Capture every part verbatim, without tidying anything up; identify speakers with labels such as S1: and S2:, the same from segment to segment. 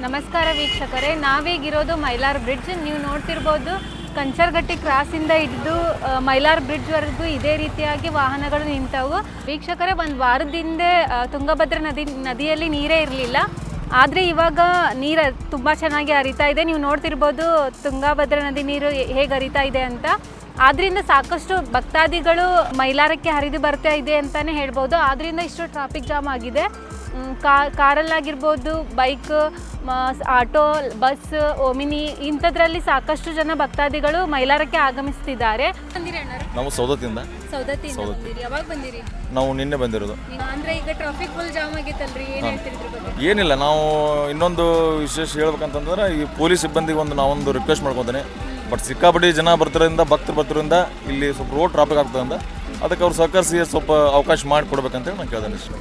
S1: ನಮಸ್ಕಾರ ವೀಕ್ಷಕರೇ, ನಾವೀಗಿರೋದು Mylar bridge. ನೀವು ನೋಡ್ತಿರ್ಬೋದು ಕಂಚರ್ಗಟ್ಟಿ ಕ್ರಾಸಿಂದ ಹಿಡಿದು ಮೈಲಾರ್ ಬ್ರಿಡ್ಜ್ವರೆಗೂ ಇದೇ ರೀತಿಯಾಗಿ ವಾಹನಗಳು ನಿಂತವು. ವೀಕ್ಷಕರೇ, ಒಂದು ವಾರದ ಹಿಂದೆ ತುಂಗಭದ್ರಾ ನದಿ ನದಿಯಲ್ಲಿ ನೀರೇ ಇರಲಿಲ್ಲ, ಆದರೆ ಇವಾಗ ನೀರು ತುಂಬ ಚೆನ್ನಾಗಿ ಹರಿತಾ ಇದೆ. ನೀವು ನೋಡ್ತಿರ್ಬೋದು ತುಂಗಭದ್ರಾ ನದಿ ನೀರು ಹೇಗೆ ಹರಿತಾ ಇದೆ ಅಂತ. ಆದ್ದರಿಂದ ಸಾಕಷ್ಟು ಭಕ್ತಾದಿಗಳು ಮೈಲಾರಕ್ಕೆ ಹರಿದು ಬರ್ತಾ ಇದೆ ಅಂತಲೇ ಹೇಳ್ಬೋದು. ಆದ್ದರಿಂದ ಇಷ್ಟು ಟ್ರಾಫಿಕ್ ಜಾಮ್ ಆಗಿದೆ. ಕಾರಲ್ಲಾಗಿರ್ಬೋದು, ಬೈಕ್, ಆಟೋ, ಬಸ್, ಓಮಿನಿ ಇಂಥದ್ರಲ್ಲಿ ಸಾಕಷ್ಟು ಜನ ಭಕ್ತಾದಿಗಳು ಮೈಲಾರಕ್ಕೆ ಆಗಮಿಸ್ತಿದ್ದಾರೆ.
S2: ನಾವು ಸೌದತ್ತಿಂದ
S1: ಸೌದತ್ತಿಂದ ಬಂದಿರಿ. ಯಾವಾಗ ಬಂದಿರಿ?
S2: ನಾವು ನಿನ್ನೆ ಬಂದಿರೋದು.
S1: ಅಂದ್ರೆ ಈಗ ಟ್ರಾಫಿಕ್ ಫುಲ್ ಜಾಮ್ ಆಗಿತ್ತಲ್ರಿ, ಏನು ಹೇಳ್ತೀರಿ ಇದ್ರ ಬಗ್ಗೆ?
S2: ಏನಿಲ್ಲ, ನಾವು ಇನ್ನೊಂದು ವಿಶೇಷ ಹೇಳ್ಬೇಕಂತಂದ್ರೆ ಈ ಪೊಲೀಸ್ ಸಿಬ್ಬಂದಿಗೆ ಒಂದು ನಾವೊಂದು ರಿಕ್ವೆಸ್ಟ್ ಮಾಡ್ಕೊತೇನೆ. ಬಟ್ ಸಿಕ್ಕಾಪಟ್ಟಿ ಜನ ಬರ್ತಿರೋದ್ರಿಂದ, ಭಕ್ತರು ಬರ್ತಿರೋದ್ರಿಂದ ಇಲ್ಲಿ ಸ್ವಲ್ಪ ರೋಡ್ ಟ್ರಾಫಿಕ್ ಆಗ್ತದಂದ, ಅದಕ್ಕೆ ಅವ್ರು ಸಹಕರಿಸಿ ಸ್ವಲ್ಪ ಅವಕಾಶ ಮಾಡಿ ಕೊಡ್ಬೇಕಂತೇಳಿ ನಾನು ಕೇಳ್ದೇನೆ ಇಷ್ಟ.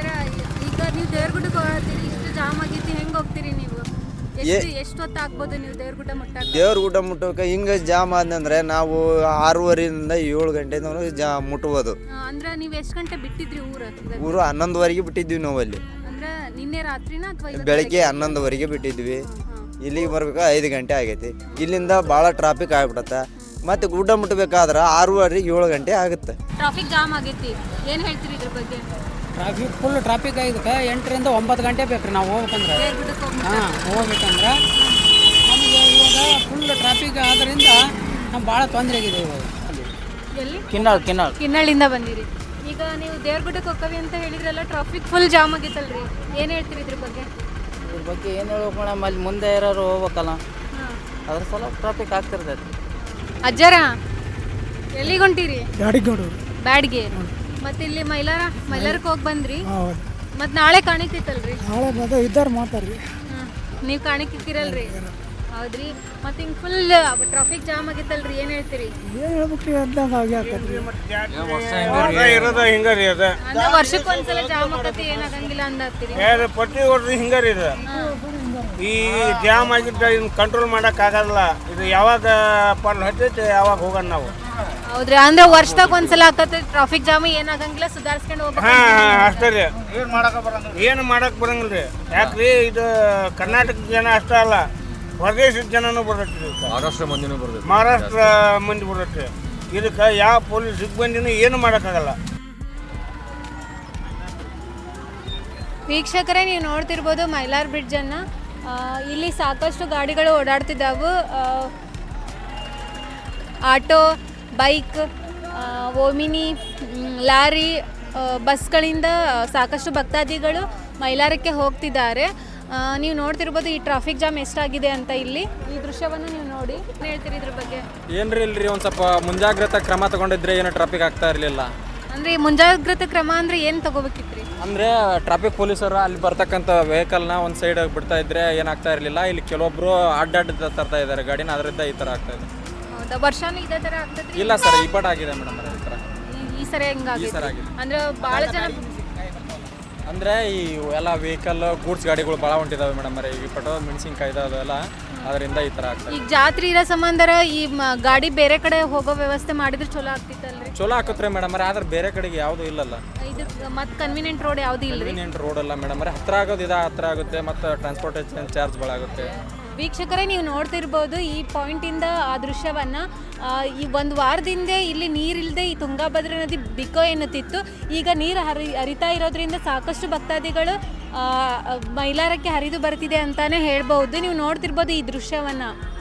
S1: ಈಗ ನೀವು ದೇವ್ರಗುಡ್ಡಕ್ಕೆ ಹೋಗ್ತೀರಿ, ಇಷ್ಟು ಜಾಮ್ ಆಗೈತಿ, ಹೆಂಗೆ ಹೋಗ್ತೀರಿ ನೀವು? ಎಷ್ಟು ಎಷ್ಟು ಹೊತ್ತು ಆಗ್ಬೋದು ನೀವು ದೇವ್ರಗುಡ್ಡ ಮುಟ್ಟ
S3: ದೇವ್ರಗುಡ್ಡ ಮುಟ್ಟೋಕೆ ಹಿಂಗೆ ಜಾಮ್ ಆದಂದ್ರೆ ನಾವು ಆರೂವರೆಯಿಂದ ಏಳು ಗಂಟೆ ಜಾ ಮುಟ್ಬೋದು.
S1: ಅಂದ್ರೆ ನೀವು ಎಷ್ಟು ಗಂಟೆ ಬಿಟ್ಟಿದ್ರಿ ಊರು?
S3: ಊರು ಹನ್ನೊಂದುವರೆಗೆ ಬಿಟ್ಟಿದ್ವಿ ನಾವು ಅಲ್ಲಿ.
S1: ಅಂದ್ರೆ ನಿನ್ನೆ ರಾತ್ರಿನ ಅಥವಾ
S3: ಬೆಳಗ್ಗೆ ಹನ್ನೊಂದುವರೆಗೆ ಬಿಟ್ಟಿದ್ವಿ. ಇಲ್ಲಿಗೆ ಬರ್ಬೇಕು ಐದು ಗಂಟೆ ಆಗೈತಿ. ಇಲ್ಲಿಂದ ಭಾಳ ಟ್ರಾಫಿಕ್ ಆಗ್ಬಿಡತ್ತೆ. ಮತ್ತೆ ಗುಡ್ಡ ಮುಟ್ಟಬೇಕಾದ್ರೆ ಆರೂವರೆಗೆ ಏಳು ಗಂಟೆ ಆಗುತ್ತೆ.
S1: ಟ್ರಾಫಿಕ್ ಜಾಮ್ ಆಗೈತಿ, ಏನು ಹೇಳ್ತೀರಿ ಇದ್ರ ಬಗ್ಗೆ?
S4: ಟ್ರಾಫಿಕ್ ಫುಲ್ ಟ್ರಾಫಿಕ್ ಆಗಿದ್ದಕ್ಕೆ ಎಂಟರಿಂದ ಒಂಬತ್ತು ಗಂಟೆ ಬೇಕು ರೀ ನಾವು ಹೋಗ್ಬೇಕಂದ್ರೆ. ಹಾಂ, ಹೋಗ್ಬೇಕಂದ್ರೆ ನಮಗೆ ಇವಾಗ ಫುಲ್ ಟ್ರಾಫಿಕ್ ಆದ್ದರಿಂದ ನಮ್ಗೆ ಭಾಳ ತೊಂದರೆ ಆಗಿದೆ ಇವಾಗ.
S1: ಎಲ್ಲಿ?
S4: ಕಿನ್ನಾಳ್ ಕಿನ್ನಾಳ್
S1: ಕಿನ್ನಾಳಿಂದ ಬಂದಿರಿ. ಈಗ ನೀವು ದೇವ್ರಗುಡ್ಡಕ್ಕೆ ಹೋಗ್ತೀವಿ ಅಂತ ಹೇಳಿದ್ರಲ್ಲ, ಟ್ರಾಫಿಕ್ ಫುಲ್ ಜಾಮ್ ಆಗಿತ್ತಲ್ರಿ, ಏನು ಹೇಳ್ತೀರಿ ಇದ್ರ ಬಗ್ಗೆ?
S4: ಇದ್ರ ಬಗ್ಗೆ ಏನು ಹೇಳ್ಬೇಕು ಮೇಡಮ್, ಅಲ್ಲಿ ಮುಂದೆ ಇರೋರು ಹೋಗ್ಬೇಕಲ್ಲ, ಅದ್ರ ಸಲ ಟ್ರಾಫಿಕ್ ಆಗ್ತಿರ್ತೈತಿ.
S1: ಅಜ್ಜರ ಎಲ್ಲಿಗೆ ಹೊಂಟಿರಿ?
S5: ಬ್ಯಾಡಿಗೋಡು
S1: ಬ್ಯಾಡ್ಗೆ. ಮತ್ತೆ ಇಲ್ಲಿ ಮೈಲಾರ ಮೈಲಾರಕ್ಕೆ ಹೋಗಿ ಬಂದ್ರಿ, ಮತ್ತೆ ನಾಳೆ ಕಾಣಿತಿತ್ತಲ್ರಿ?
S5: ನಾಳೆ ಬಂದು ಇದ್ದಾರೆ ಮಾತಾಡ್ರಿ.
S1: ನೀವು ಕಾಣಿಕಿರಲ್ರಿ? ಹೌದ್ರಿ. ಮತ್ತೆ ಹಿಂಗೆ ಫುಲ್ ಟ್ರಾಫಿಕ್ ಜಾಮ್ ಆಗಿತ್ತಲ್ರಿ, ಏನು ಹೇಳ್ತೀರಿ?
S5: ಏನು ಹೇಳ್ಬೇಕ್ರಿ, ಅಂದಂಗೆ ಆಗಿ ಆಗ್ತದ್ರಿ.
S6: ಇರೋದು ಹಿಂಗಾರಿ ಅದ
S1: ಅಂದ್ರೆ ವರ್ಷಕ್ಕೆ ಒಂದ್ಸಲ ಜಾಮ್ ಆಗತ್ತೆ, ಏನಾಗಂಗಿಲ್ಲ ಅಂದತ್ತೀರಿ?
S6: ಪಟ್ಟಿ ಹೊಡ್ದು ಹಿಂಗಾರಿ ಇದು. ಈ ಜಾಮ್ ಆಗಿದ್ದ ಇನ್ನು ಕಂಟ್ರೋಲ್ ಮಾಡೋಕ್ಕಾಗಲ್ಲ. ಇದು ಯಾವಾಗ ಪಾಲ್ ಹತ್ತೈತೆ ಯಾವಾಗ ಹೋಗೋಣ ನಾವು.
S1: ಹೌದ್ರಿ. ಅಂದ್ರೆ ವರ್ಷದಾಗ ಒಂದ್ಸಲ ಆಕತ್ತೆ ಟ್ರಾಫಿಕ್ ಜಾಮ್, ಏನಾಗಂಗಿಲ್ಲ, ಸುಧಾರಿಸ್ಕೊಂಡು ಹೋಗ್ಬೇಕು.
S6: ಹಾ ಅಷ್ಟೇ ರೀ, ಏನು ಮಾಡಕ್ ಬರಂಗಿಲ್ಲ ರೀ. ಯಾಕ್ರಿ, ಇದು ಕರ್ನಾಟಕ ಜನ ಅಷ್ಟೇ ಅಲ್ಲ, ಹೊರದೇಶದ ಜನನೂ ಬರ್ತೈತಿ,
S2: ಮಹಾರಾಷ್ಟ್ರ ಮಂದಿನೂ ಬರ್ತೈತಿ,
S6: ಮಹಾರಾಷ್ಟ್ರ ಮಂದಿ ಬರ್ತೈತಿ. ಇದಕ್ಕೆ ಯಾವ ಪೊಲೀಸ್ ಸಿಬ್ಬಂದಿನೂ ಏನು ಮಾಡೋಕ್ಕಾಗಲ್ಲ.
S1: ವೀಕ್ಷಕರೇ, ನೀವು ನೋಡ್ತಿರ್ಬೋದು ಮೈಲಾರ್ ಬ್ರಿಡ್ಜನ್ನು. ಇಲ್ಲಿ ಸಾಕಷ್ಟು ಗಾಡಿಗಳು ಓಡಾಡ್ತಿದ್ದಾವೆ. ಆಟೋ, ಬೈಕ್, ಓಮಿನಿ, ಲಾರಿ, ಬಸ್ಗಳಿಂದ ಸಾಕಷ್ಟು ಭಕ್ತಾದಿಗಳು ಮೈಲಾರಕ್ಕೆ ಹೋಗ್ತಿದ್ದಾರೆ. ನೀವು ನೋಡ್ತಿರ್ಬೋದು ಈ ಟ್ರಾಫಿಕ್ ಜಾಮ್ ಎಷ್ಟಾಗಿದೆ ಅಂತ. ಇಲ್ಲಿ ಈ ದೃಶ್ಯವನ್ನು ನೀವು ನೋಡಿ, ಏನು ಹೇಳ್ತೀರಿ ಇದ್ರ ಬಗ್ಗೆ?
S7: ಏನ್ರಿ ಇಲ್ರಿ, ಒಂದು ಸ್ವಲ್ಪ ಮುಂಜಾಗ್ರತಾ ಕ್ರಮ ತಗೊಂಡಿದ್ರೆ ಏನು ಟ್ರಾಫಿಕ್ ಆಗ್ತಾ ಇರಲಿಲ್ಲ.
S1: ಅಂದರೆ ಮುಂಜಾಗ್ರತೆ ಕ್ರಮ ಅಂದರೆ ಏನು ತಗೋಬೇಕಿತ್ತು ರೀ?
S7: ಅಂದರೆ ಟ್ರಾಫಿಕ್ ಪೊಲೀಸರು ಅಲ್ಲಿ ಬರ್ತಕ್ಕಂಥ ವೆಹಿಕಲ್ನ ಒಂದು ಸೈಡ್ ಬಿಡ್ತಾ ಇದ್ರೆ ಏನಾಗ್ತಾ ಇರಲಿಲ್ಲ. ಇಲ್ಲಿ ಕೆಲವೊಬ್ರು ಅಡ್ಡಾಡ್ಡ ತರ್ತಾ ಇದ್ದಾರೆ ಗಾಡಿನ, ಅದರಿಂದ ಈ ಥರ ಆಗ್ತಾ ಇದೆ.
S1: ಹೌದಾ? ವರ್ಷನೂ ಇದೇ ಥರ ಆಗ್ತದೆ?
S7: ಇಲ್ಲ ಸರ್, ಈ ಪಟ ಆಗಿದೆ ಮೇಡಮ್ ಈ ಥರ.
S1: ಈ ಸರಿ ಹೆಂಗಾಗಿ?
S7: ಈ ಸರಿ ಆಗಿದೆ
S1: ಅಂದರೆ ಭಾಳ ಜನ
S7: ಅಂದರೆ ಈ ಎಲ್ಲ ವೆಹಿಕಲ್ ಗೂಡ್ಸ್ ಗಾಡಿಗಳು ಭಾಳ ಹೊಂಟಿದ್ದಾವೆ ಮೇಡಮ್. ಈ ಪಟೋ ಮೆಣಸಿನ್ಕಾಯಿ ಅದೆಲ್ಲ, ಅದರಿಂದ ಈ ಥರ ಆಗ್ತದೆ.
S1: ಈಗ ಜಾತ್ರೆ ಇರೋ ಸಂಬಂಧರ ಈ ಗಾಡಿ ಬೇರೆ ಕಡೆ ಹೋಗೋ ವ್ಯವಸ್ಥೆ ಮಾಡಿದ್ರೆ ಚಲೋ ಆಗ್ತಿತ್ತಲ್ರಿ?
S7: ಚಲೋ ಹಾಕತ್ರಿ ಮೇಡಮ್, ಆದ್ರೆ ಬೇರೆ ಕಡೆಗೆ ಯಾವುದು ಇಲ್ಲಲ್ಲ.
S1: ಇದು ಮತ್ತೆ ಕನ್ವೀನಿಯಂಟ್ ರೋಡ್ ಯಾವುದು ಇಲ್ಲ?
S7: ಕನ್ವೀನಿಯಂಟ್ ರೋಡ್ ಅಲ್ಲ ಮೇಡಮ್, ಹತ್ರ ಆಗೋದು ಇದು ಹತ್ರ ಆಗುತ್ತೆ, ಮತ್ತು ಟ್ರಾನ್ಸ್ಪೋರ್ಟೇಷನ್ ಚಾರ್ಜ್ ಭಾಳ ಆಗುತ್ತೆ.
S1: ವೀಕ್ಷಕರೇ, ನೀವು ನೋಡ್ತಿರ್ಬೋದು ಈ ಪಾಯಿಂಟಿಂದ ಆ ದೃಶ್ಯವನ್ನು. ಈ ಒಂದು ವಾರದಿಂದ ಇಲ್ಲಿ ನೀರಿಲ್ಲದೆ ಈ ತುಂಗಭದ್ರಾ ನದಿ ಬಿಕೋ ಎನ್ನುತ್ತಿತ್ತು. ಈಗ ನೀರು ಹರಿ ಹರಿತಾ ಇರೋದ್ರಿಂದ ಸಾಕಷ್ಟು ಭಕ್ತಾದಿಗಳು ಮೈಲಾರಕ್ಕೆ ಹರಿದು ಬರ್ತಿದೆ ಅಂತಲೇ ಹೇಳ್ಬೋದು. ನೀವು ನೋಡ್ತಿರ್ಬೋದು ಈ ದೃಶ್ಯವನ್ನು.